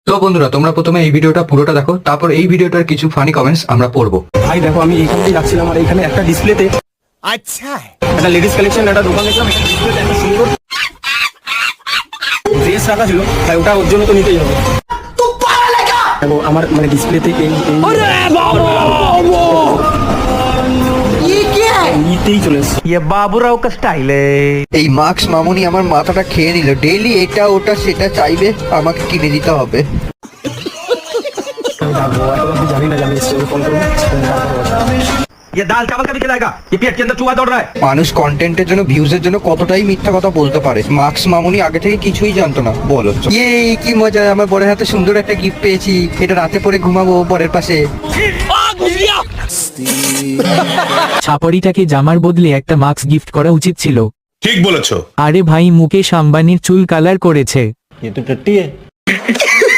তো বন্ধুরা, তোমরা প্রথমে এই ভিডিওটা পুরোটা দেখো, তারপর এই ভিডিওটার কিছু ফানি কমেন্টস আমরা পড়বো। ভাই দেখো, আমি এইখানটাই যাচ্ছিলাম আর এখানে একটা ডিসপ্লেতে अच्छा है। একটা লেডিস কালেকশন একটা দোকান দেখলাম, একটা ডিসপ্লেতে একটা সুন্দর ড্রেস রাখা ছিল। ভাই ওটা ওর জন্য তো নিতেই হবে। দেখো আমার মানে ডিসপ্লেতে নিতেই চলে এসছে। ये बाबूराव का स्टाइल है। এই মার্কস মামুনি আমার মাথাটা খেয়ে নিল, ডেইলি এটা ওটা সেটা চাইবে, আমাকে কিনে দিতে হবে। আমি যাবো, এখন জানি না, জানি ফোন করবো। ये दाल चावल का भी खिलाएगा। ये पेट के अंदर चूहा दौड़ रहा है। মানুষ কন্টেন্টের জন্য, ভিউজের জন্য কতটাই মিথ্যা কথা বলতে পারে। মার্কস মামুনি আগে থেকে কিছুই জানতো না। বলো, এই কি মজা, আমার বরের হাতে সুন্দর একটা গিফট পেয়েছি, এটা রাতে পরে ঘুমাবো বরের পাশে। ছাপড়িটাকে জামার বদলে একটা মাস্ক গিফট করা উচিত ছিল। ঠিক বলেছো। আরে ভাই, মুকেশ আম্বানির চুল কালার করেছে। ये तो टट्टी है।